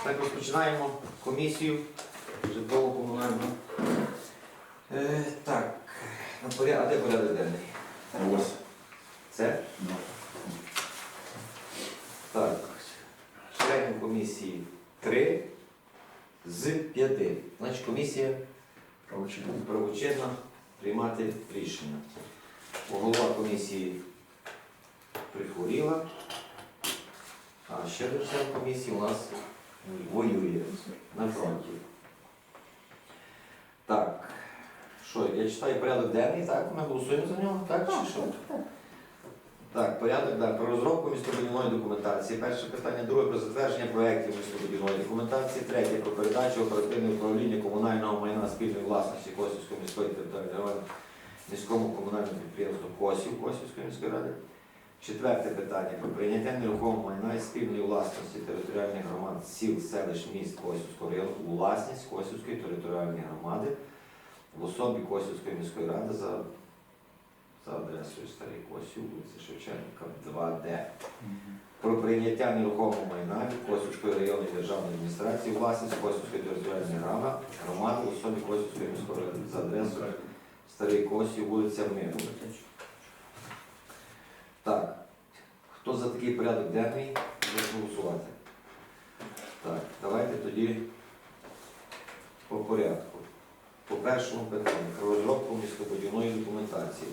Так, розпочинаємо комісію житлово-комунальну. Так, а де порядок денний? Ось. Це? Так, членів комісії 3 з 5. Значить, комісія правочинна приймати рішення. Голова комісії прихворіла, а ще один член комісії у нас воює на фронті. Так, що, я читаю порядок денний, так? Ми голосуємо за нього, так чи що? Так, порядок, так, про розробку містобудівної документації. Перше питання, друге про затвердження проєктів містобудівної документації, третє про передачу оперативне управління комунального майна спільної власності Косівської міської територіальної громади міському комунальному підприємству Косів Косівської міської ради. Четверте питання про прийняття нерухомого майна і спільної власності територіальних громад сіл, селищ, міст Косівського району у власність Косівської територіальної громади в особі Косівської міської ради за адресою Старий Косів, вулиця Шевченка, 2Д. Про прийняття нерухомого майна від Косівської районної державної адміністрації у власність Косівської територіальної громади в особі Косівської міської ради за адресою Старий Косів, вулиця Миру. Так, хто за такий порядок денний, прошу голосувати. Так, давайте тоді по порядку. По першому питанню про розробку містобудівної документації.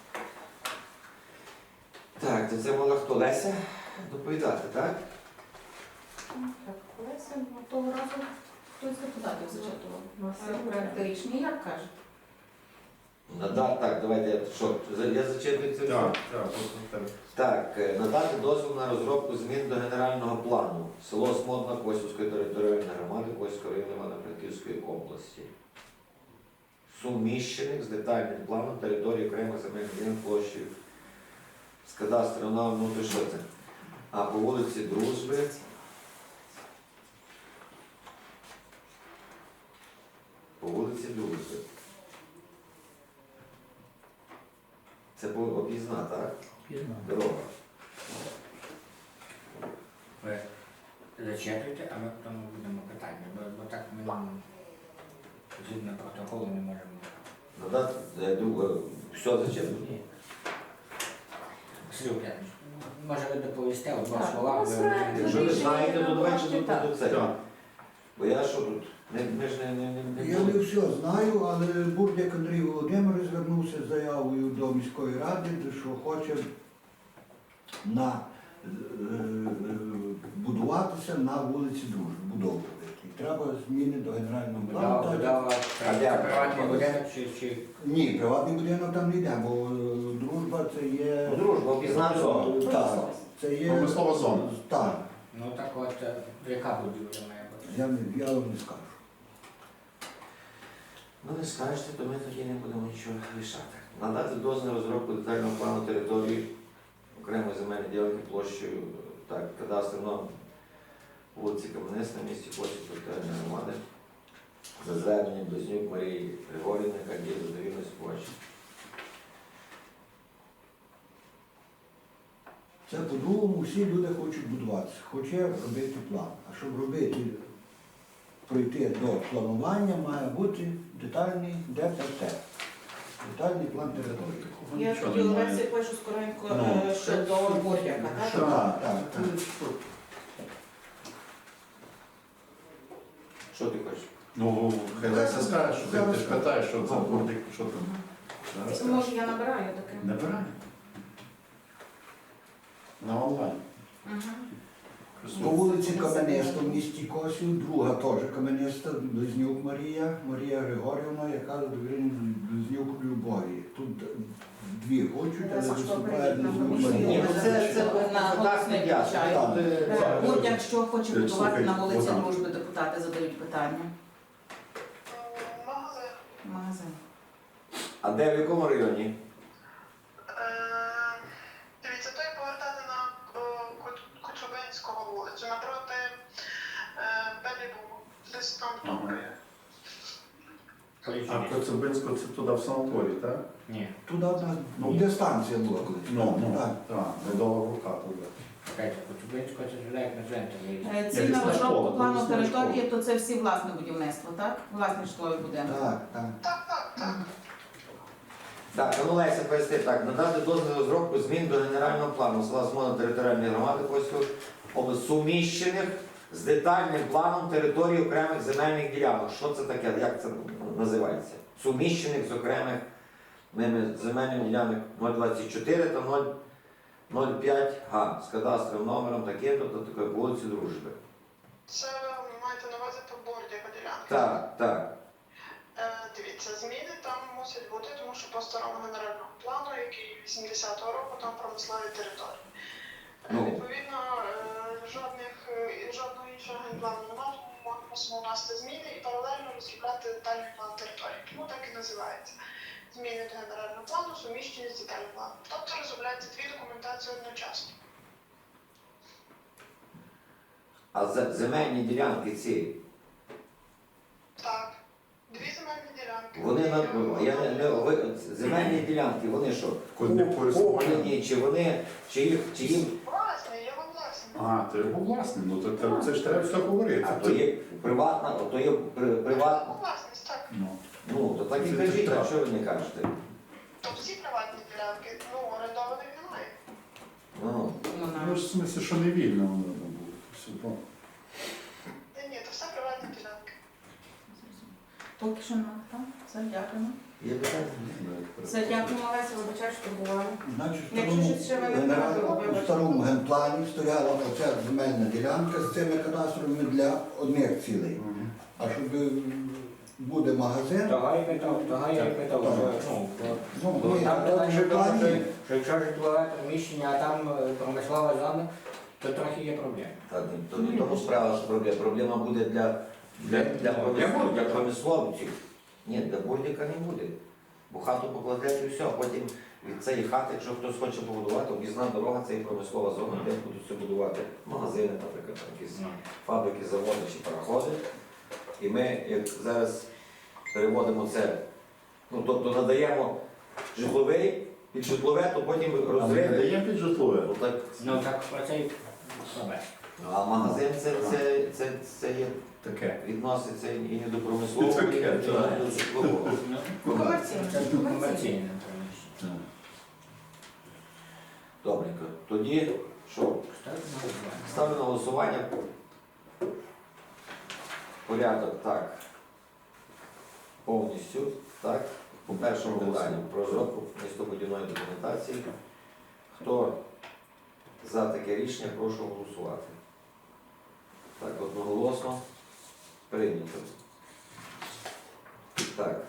Так, це мала хто? Леся доповідати, так? Так, Олеся, того разу хтось з депутатів зачитував. Проект рішення, як кажете? Так, давайте, я зачитую це. Так. Так, надати дозвіл на розробку змін до генерального плану. Село Смодна Косівської територіальної громади Косівського району Івано-Франківської області. Суміщених з детальним планом території окремих земельних ділянок площею з кадастром на внутрішньо це. А по вулиці Дружби. По вулиці Дружби. Це була об'їзна, так? Об'їзна. Дорога. Ви зачитуйте, а ми потім будемо питання, бо так ми згідно протоколу не можемо. Надати все зачем? Ні. Василь Уклянович, може ви доповісте от два Так, слова? у нас проект Якщо ви знаєте, то давайте Можете так. до це. Бо я що тут? Ми ж не Я не все знаю, але Бурдяк Андрій Володимирович звернувся з заявою до міської ради, що хоче будуватися на вулиці Дружби, будовувати. І треба зміни до генерального плану. Будова приватний будинок чи... Ні, приватний будинок там не йде, бо Дружба це є... Дружба, об'їзна зона. Так, це є... Промислова зона. Так, Ну так от, яка будівля має бути? я вам не скажу. Ну не скажете, то ми тоді не будемо нічого рішати. Надати дозвіл на розробку детального плану території окремої земельної ділянки площею, так, кадастром на вулиці Кам'янисна, місті Косів територіальної громади, за зверненням Близнюк Марії Григорівни, яка діє за довірною спадщиною. Це по-другому всі люди хочуть будуватися, хоче робити план. А щоб пройти до планування, має бути детальний ДПТ. Детальний план території. Я тоді Олесі пишу скоренько щодо Бурдяка, так? Так. Що ти хочеш? Ну, хай Леся скаже, що ти ж питаєш, що це бурдик, що там. Зараз скажеш. Може я набираю таке? Набирай. На онлайн. По вулиці Кам'яниста в місті Косів, друга теж Кам'яниста, Близнюк Марія Григорівна, яка Близнюк Любові. Тут дві хочуть, але виступає Близнюк Ні, Марія. ну це на голос не включаю. Так. Бурдяк, що хоче будувати Слухай, на вулиці Богдан. Дружби, депутати задають питання. Магазин. Магазин. А де, в якому районі? Дивіться, то і повертати на Коцюбинського вулицю, напроти Белібу, десь там топкає. А Коцюбинську це туди в санаторій, так? Ні. Туди, де станція була колись. Ну, Так. так, недовга рука туди. Чекайте, Коцюбинського це ж як на центрі. Цільна Якісна розробка школа, плану якісна території, школа. то це всі власне будівництво, так? Власні житлові будинки. Так, так. Так. Так, ну Леся, поясни так, надати дозвіл на розробку змін до генерального плану села Смола територіальної громади Косівської області, суміщених з детальним планом території окремих земельних ділянок. Що це таке? Як це називається? Суміщених з окремих земельних ділянок 024 та 005 га з кадастровим номером таким-то та такої вулиці Дружби. Це ви маєте на увазі по борді поділянки? Так, так. Дивіться, зміни там мусять бути, тому що по старому генеральному плану, який 80-го року, там промислові території. Ну. Відповідно, жодного іншого генплану немає, тому ми мусимо вносити зміни і паралельно розробляти детальний план території. Тому так і називається. Зміни до генерального плану суміщені з детальним планом. Тобто розробляються дві документації одночасно. А земельні ділянки ці, Так. Дві земельні ділянки. вони земельні ділянки, вони що? Куди користування? Куплені, чи їм, Власне, є вам власне. А, то його власне, ну то це ж треба все говорити. а то є приватна, то є приватна. Власність, так. Ну, Ну, то так і кажіть, а що ви не кажете? То всі приватні ділянки, ну, орендованих немає. Ну, ну ж в смислі, що не вільно воно там було. Все, ну. Ні, то все приватні ділянки. Поки що нема, так? Все, дякуємо. є питання? Все, дякуємо, Леся, вибачаю, що бували. Значить, Якщо щось ще ви не у старому генплані стояла оця земельна ділянка з цими кадастровими для одних цілей. Мгм. А щоб буде магазин, Того я питав, ну, бо ні, там то питання вже в тому, плані. що якщо житлове приміщення, а там промислова зона, то трохи є проблеми. Так, то не тому справа, що проблема буде для промисловців. Ні, для бурдика не буде. Бо хату покладете і все, а потім від цієї хати, якщо хтось хоче побудувати, об'їзна дорога, це і промислова зона, де будуть все будувати. Магазини, наприклад, там якісь фабрики, заводи чи пароходи. І ми, як зараз переводимо це, ну тобто надаємо житловий, під житлове, то потім А ми не розриви. даємо під житлове? Ну, так, Ну так про це й слабе. а магазин це є, Таке. відноситься і не до промислового, і Таке, не так. до житлового. Комерційне. Це комерційне приміщення. Так. Добренько. Тоді що? Ставлю на голосування. Порядок, так. Повністю, так. По першому питанню про розробку містобудівної документації. Хто за таке рішення, прошу голосувати. Так, одноголосно прийнято. Так.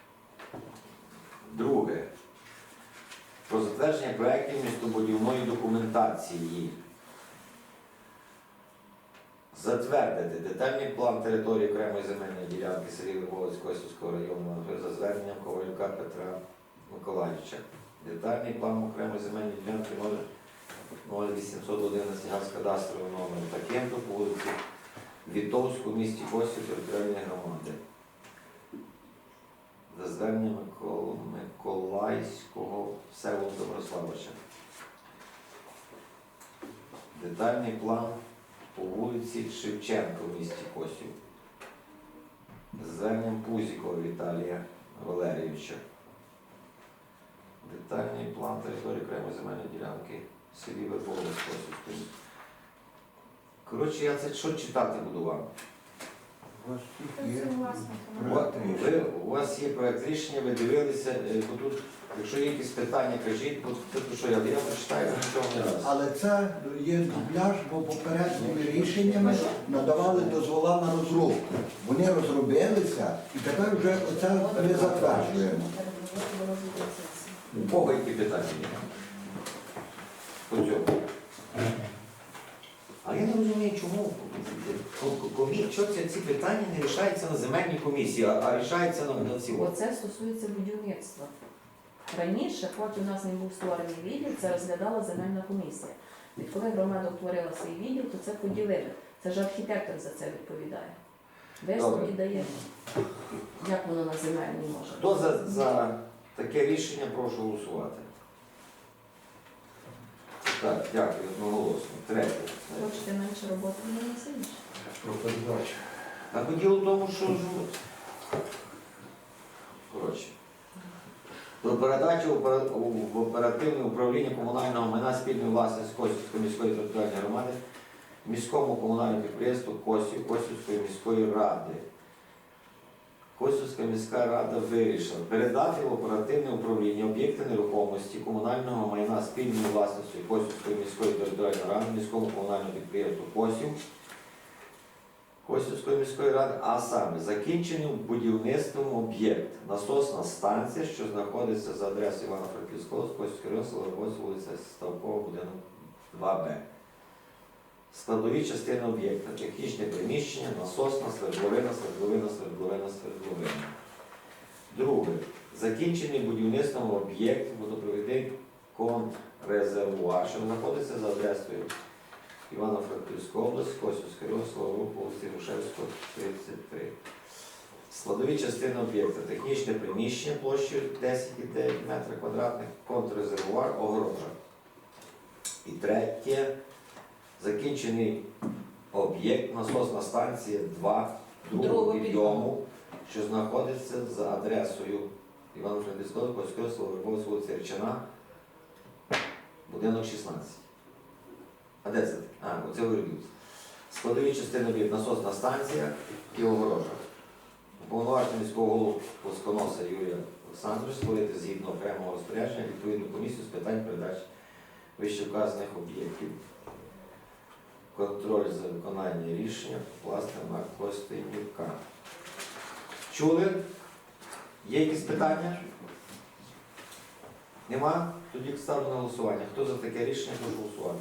Друге. Про затвердження проєктів містобудівної документації. Затвердити детальний план території окремої земельної ділянки селі Липовець Косівського району за зверненням Ковалюка Петра Миколаївича. Детальний план окремої земельної ділянки 0811 га з кадастровим номером таким-то по вулиці Вітовську в місті Косів територіальної громади. За зверненням Миколаївського Всеволода Доброславича. Детальний план по вулиці Шевченка в місті Косів. За зверненням Пузікова Віталія Валерійовича. Детальний план території окремої земельної ділянки в селі Верховець Косівської. Коротше, я це що читати буду вам? У вас Це всіх є все власне. проект рішення. У вас є проект рішення, ви дивилися, бо тут, якщо є якісь питання, кажіть, бо тут що я прочитаю, нічого не раз. Але це є дубляж, бо попередніми рішеннями надавали дозвола на розробку. Вони розробилися і тепер вже оце ми затверджуємо. У кого які питання є? По цьому. А я не розумію, чому що ці питання не рішаються на земельній комісії, а рішаються на цілому. Оце стосується будівництва. Раніше, поки у нас не був створений відділ, це розглядала земельна комісія. Відколи громада утворила свій відділ, то це поділили. Це ж архітектор за це відповідає. Висновки Добре. дає. Як воно на земельній може? Хто за таке рішення, прошу голосувати. Так, дякую, одноголосно. Третє. Хочете менше роботи, не сильніше. Про передачу. А то діло в тому, що ж, коротше. Про передачу в оперативне управління комунального майна спільної власності Косівської міської територіальної громади міському комунальному підприємству Косівської міської ради. Косівська міська рада вирішила передати в оперативне управління об'єкти нерухомості комунального майна спільної власності Косівської міської територіальної ради міському комунальному підприємству Косівської міської ради, а саме закінченим будівництвом об'єкт насосна станція, що знаходиться за адресою Івано-Франківського, Косівський район, села Косів, вулиця Ставкова, будинок 2Б. Складові частини об'єкта, технічне приміщення, насосна, свердловина, свердловина. Друге. Закінчений будівництвом об'єкт водопровідний контррезервуар, що знаходиться за адресою Івано-Франківська область, Косівський район, Славутич, вулиці Грушевського, 33. Складові частини об'єкта, технічне приміщення площею 10,9 метрів квадратних, контррезервуар, огорожа. І третє. Закінчений об'єкт, насосна станція 2 другого підйому, що знаходиться за адресою Івано-Франківського, Косівського, Славутич, вулиця Речина, будинок 16. А де це? Оце виробництво. Складові частини об'єкт, насосна станція і огорожа. Уповноважений міського голову Плосконоса Юрія Олександровича створити згідно окремого розпорядження відповідну комісію з питань передачі вищевказаних об'єктів. Контроль за виконання рішення власне на Костенюка. Чули? Є якісь питання? Нема? Тоді ставлю на голосування. Хто за таке рішення, прошу голосувати.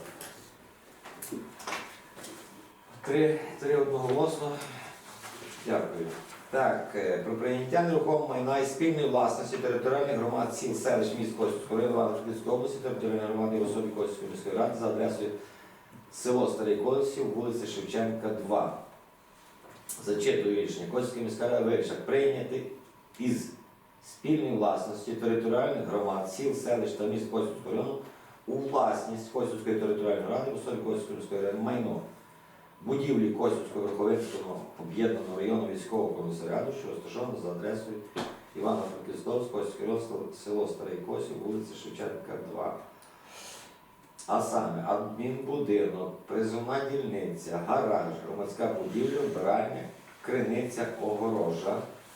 Три одноголосно. Дякую. Так, про прийняття нерухомого майна і спільної власності територіальних громад сіл, селищ, міст Косівського району, Івано-Франківської області, територіальної громади в особі Косівської міської ради за адресою село Старий Косів, вулиця Шевченка, 2. Зачитую рішення. Косівська міська рада вирішила прийняти із спільної власності територіальних громад, сіл, селищ та міст Косівського району у власність Косівської територіальної ради в особі Косівської міської ради майно будівлі Косівського Верховинського об'єднаного району військового комісаріату, що розташовано за адресою Івано-Франківського, Косівський район, село Старий Косів, вулиця Шевченка, 2. А саме адмінбудинок, призовна дільниця, гараж, громадська будівля, вбиральня, криниця, огорожа.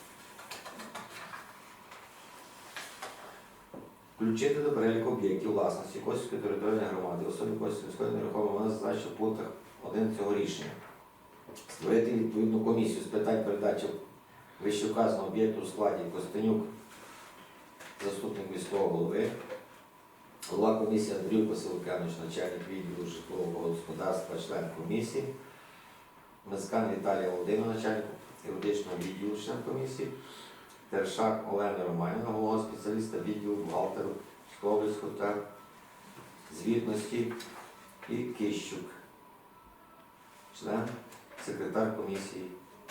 Включити до переліку об'єктів власності Косівської територіальної громади, особи Косівської міської нерухомої майна зазначено в пунктах 1 цього рішення. Створити відповідну комісію з питань передачі вищевказаного об'єкту у складі Костенюк, заступник міського голови, голова комісії Андрій Василь Лук'янович, начальник відділу житлового господарства, член комісії, Мескан Віталія Володимирівна, начальник юридичного відділу, член комісії, Тершак Олена Романівна, головного спеціаліста відділу бухгалтеру Сковальського та звітності і Кищук, член, секретар комісії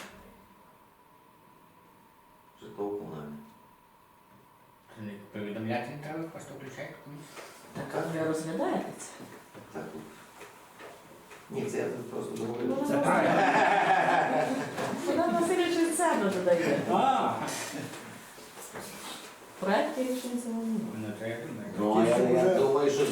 житлово-комунальної. Це не повідомляти не треба, просто включайте комісію. Так, а ви розглядаєте це? Так. Ні, це я тут просто говорю. Це правильно. Богдан Васильович від себе додає. Проекти рішень цього немає. Ну, це я думаю. Ну, я думаю, що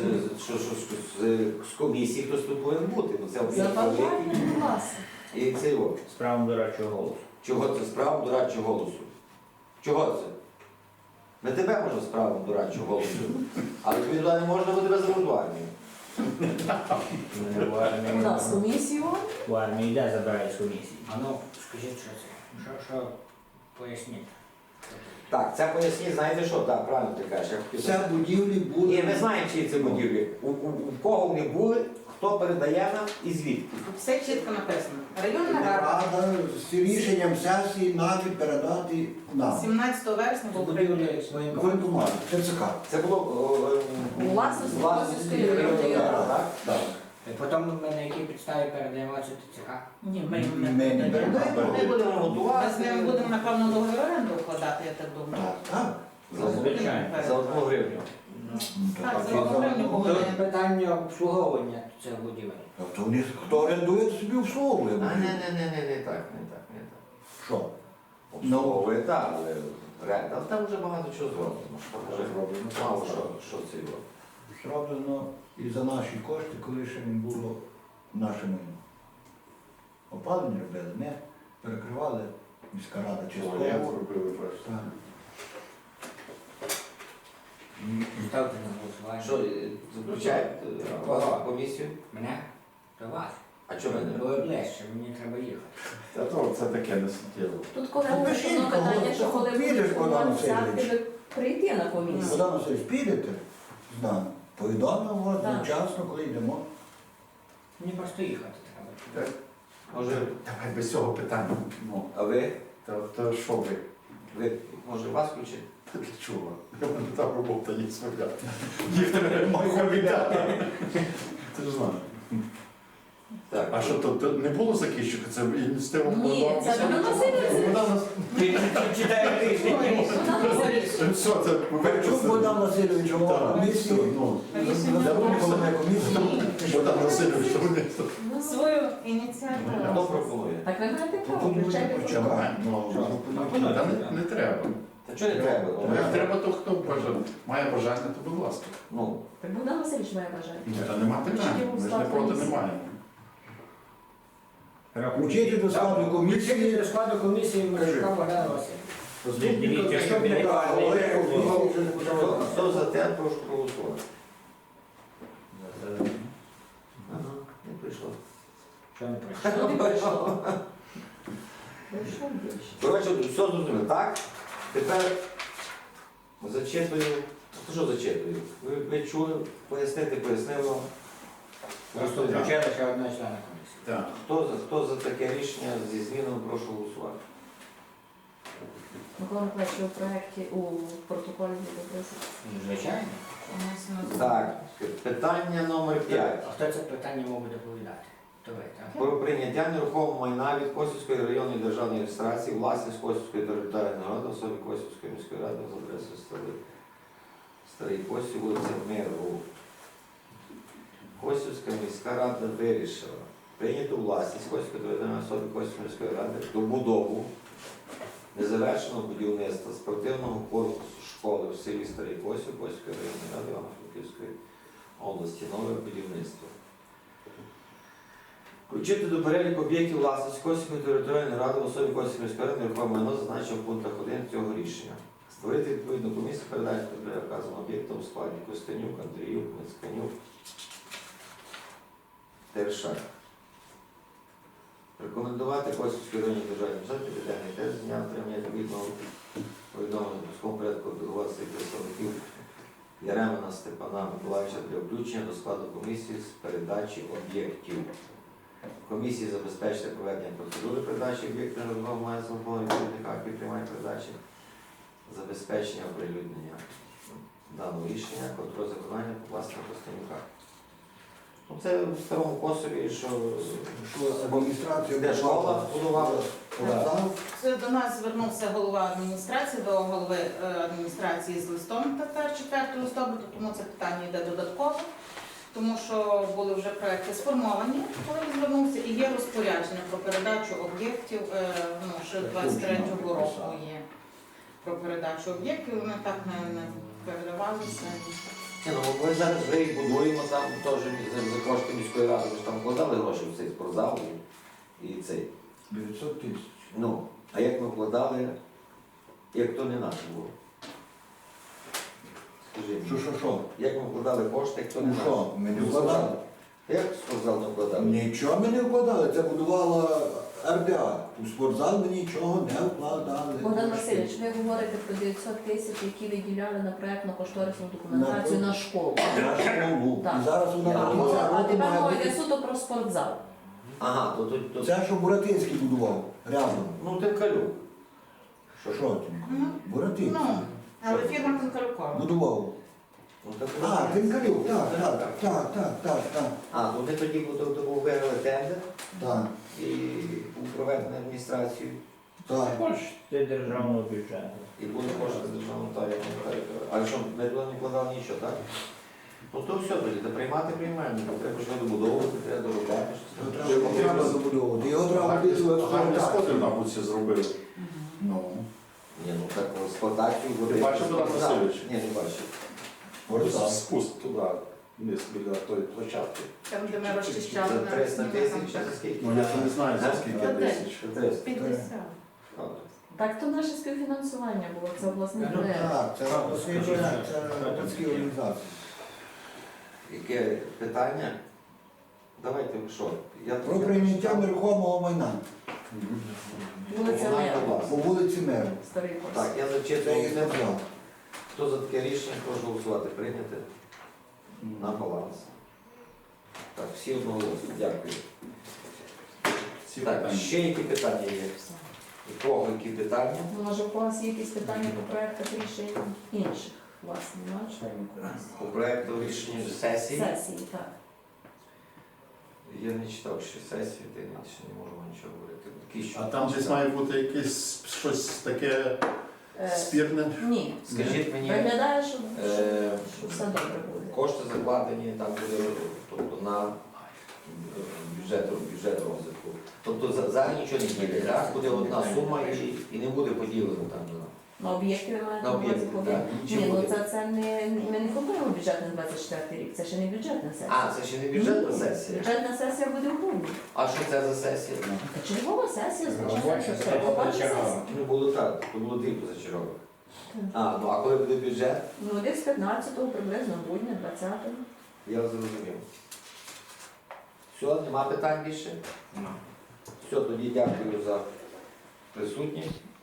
з комісії хтось тут повинен бути. Ну, це За об'єкт бажанням вас. і це його. З правом дорадчого голосу. Чого це з правом дорадчого голосу? Чого це? Не тебе можна з правом дорадчого голосу, але тобі туди не можна, бо тебе заберуть в армію. У нас комісію. В армії йде забирають з комісії. А ну, скажіть, що це? Що поясніть? Так, це поясніть, знаєте що? Так, правильно ти кажеш. Я хотів Ця будівлі були. Ні, ми знаємо, чиї це будівлі. У кого вони були, хто передає нам і звідки. Тут все чітко написано. Районна рада Рада з рішенням сесії навіть передати нам. 17 вересня був прийнятий. Воєнкомат, ТЦК. Це було У власності Косівської районної ради. так? Так. І потім ми на якій підставі передаємо це ТЦК? Ні, ми Ми не передаємо. Ми будемо Ми готувати. з ними будемо, напевно, договір оренду вкладати, я так думаю. Так. За Звичайно. за 1 гривню. Ну, Так, це це окремі за- Тут питання обслуговування цього будівель. То вони, хто орендує, то собі обслуговує. А не так. Що? Обслуговує, так, але там вже багато чого зроблено. Вже мало що це його. Зроблено і за наші кошти, коли ще не було наше майно. Опалення робили, ми перекривали міська рада частково. Я робив перше. Так. Ставте на голосування. Що, заключають вас в комісію? Мене? До вас. А чого ви не Бо ближче, мені треба їхати. Та то це таке не суттєво. Тут коли Ну, пишіть, одно питання, кого- що коли підеш, будуть Богдан формуватися Васильович. акти, прийти на комісію. Богдан Васильович, підете з нами? Повідомимо Так. вчасно, коли йдемо. Мені просто їхати треба. Може, Давай без цього питання. Ну, а ви? то що ви? Може вас включити? Ти для чого? У мене там робота є своя. Їх треба віддати. Ти ж знаєш. Так. А що тут не було закінчика? Це ініціатива Ні, була? це Богдан Васильович. Богдан Читаю тиждень. Богдан Васильович. Все, це Верчук Богдан Васильович, голова Так, комісії. ну, Забув головне комісії. Богдан Васильович, що вони Свою ініціативу. Хто пропонує? Так ви маєте право, Пропонуйте включайте почекати. протокол. Ну, та не треба. Та чого не треба? Як треба, то хто бажає. Має бажання, то будь ласка. Ну, Так Богдан Васильович має бажання. Ні, та нема питань. Ми ж не проти не маємо. Включити до складу комісії. Включити до складу комісії Мишка Богдана Васильовича. Дивіться, щоб не хто за те, прошу проголосувати. Ага, не прийшло. Що не прийшло? Ну, не прийшло. Прийшов більше. Коротше, все зрозуміло. Так, тепер зачитую. Що зачитую? Ви чули, пояснили вам. Просто включили ще одного члена комісії. Так. Хто за таке рішення зі змінами, прошу голосувати. Микола Миколаївич, ви у проєкті, у протоколі відобразили. Звичайно. Так, питання номер 5. А хто це питання мав би доповідати? То ви, так? Про прийняття нерухомого майна від Косівської районної державної реєстрації власність Косівської територіальної громади, особи Косівської міської ради з адресою Старий Косів, вулиця Миру. Косівська міська рада вирішила прийняти у власність Косівської територіальної особи Косівської міської ради добудову незавершеного будівництва спортивного корпусу школи в селі Старий Косів Косівської районної ради Івано-Франківської області. Нове будівництво. Включити до переліку об'єктів власності Косівської територіальної ради в особі Косівської міської ради нерухоме майно зазначено в пунктах 1 цього рішення. Створити відповідну комісію передачі для вказаного об'єкту у складі Костянюк, Андріюк, Мицканюк, Тершак. Рекомендувати Косівській районній державній бюджеті відповідальний тест з дня отримання відповідного повідомлення в пусковому порядку делегувати своїх представників Яремина Степана Миколаївича для включення до складу комісії з передачі об'єктів. Комісії забезпечити проведення процедури передачі об'єктів нерухомого має злополонних відповідних актів приймання передачі, забезпечення оприлюднення даного рішення, контроль виконання покласти на Костянюка. Ну, це в Старому Косові, що Адміністрація де школа будувала. Показав. Це до нас звернувся голова адміністрації, до голови адміністрації з листом тепер 4 листопада, тому це питання йде додатково, тому що були вже проекти сформовані, коли він звернувся, і є розпорядження про передачу об'єктів, ще 23-го року є про передачу об'єктів, вони так не передавалися. Ні, ну, ми зараз вже їх будуємо там теж за кошти міської ради, ми ж там вкладали гроші в цей спортзал і цей. 900 тисяч. Ну, а як ми вкладали, як то не наше було? Скажи мені, Що? як ми вкладали кошти, як то не Ну наше? що, ми не вкладали? Як спортзал не вкладали? Нічого ми не вкладали, це будувала РДА. У спортзал ми нічого не вкладали. Богдан Васильович, ви говорите про 900 тисяч, які виділяли на проєктно-кошторисну документацію на школу. На школу. Так. І зараз вона до кінця А року тепер мова має йде бути. суто про спортзал. Ага, то Це, що Буратинський будував, рядом. ну Тимкалюк. Що ти? Буратинський. Ну, але фірма Конкарукова. Будував. Ну, так, А, Тимкалюк, так. А, вони тоді був виграли тендер Так. і був проведений адміністрацією. Так. Кошти державного бюджету. І буде кошти з державного тарифу. А що, ми туди не вкладали нічого, так? Ну то все тоді, та приймати приймаємо. Треба ж добудовувати, треба доробляти. Його треба забудовувати. Його треба робити в Гарні сходи, експлуатацію. мабуть, всі зробили. Ну, Ні, ну так експлуатацію Ти бачив, Богдан Васильович? Ні, не бачив. Ось спуск туди, вниз біля тої площадки. Там, де ми розчищали Це на 300 тисяч, там, чи скільки? Ну, я не знаю, за А? скільки Та де? тисяч. 300. 50. Добре. Так, то наше співфінансування було, це обласний Ну, проєкт. Так, це обласний проєкт, це громадські організації. Яке питання? Давайте що? Про прийняття нерухомого майна Вулиця Комунальна Мера, власність. по вулиці Меру. старий курс. Так, я Це зачитував. їх не взяв. Хто за таке рішення, прошу голосувати. Прийняти на баланс. Так, всі одноголосно. Дякую. Всі Так, питання. ще які питання є? У кого які питання? Ну, може, у вас є якісь питання по проєктах рішень інших, власне, на членів комісії? По проекту рішення сесії. Сесії, так. Я не читав ще сесію, то я ще не можу вам нічого говорити. Такі, що А там десь має бути якесь щось таке спірне. Ні. Скажіть мені, Виглядає, що е, все добре буде. кошти закладені там буде тобто, на бюджет розвитку. Тобто зараз нічого не буде, так? Буде одна сума і не буде поділено там. На об'єкти ви маєте На на увазі об'єкти, ходити? так. Ні, Нічого ну буде. це не, ми не формуємо бюджет на 24 рік, це ще не бюджетна сесія. А, це ще не бюджетна сесія. Бюджетна сесія буде в грудні. А що це за сесія? Та чергова сесія, звичайно, Робоча, що це це робоча робоча сесія. чергова. Ну було так, то було дві позачергових. Так. А, ну а коли буде бюджет, Ну, десь 15-го, приблизно грудня, 20-го. я зрозумів. Все, нема питань більше? Ну. Все, тоді дякую за присутність.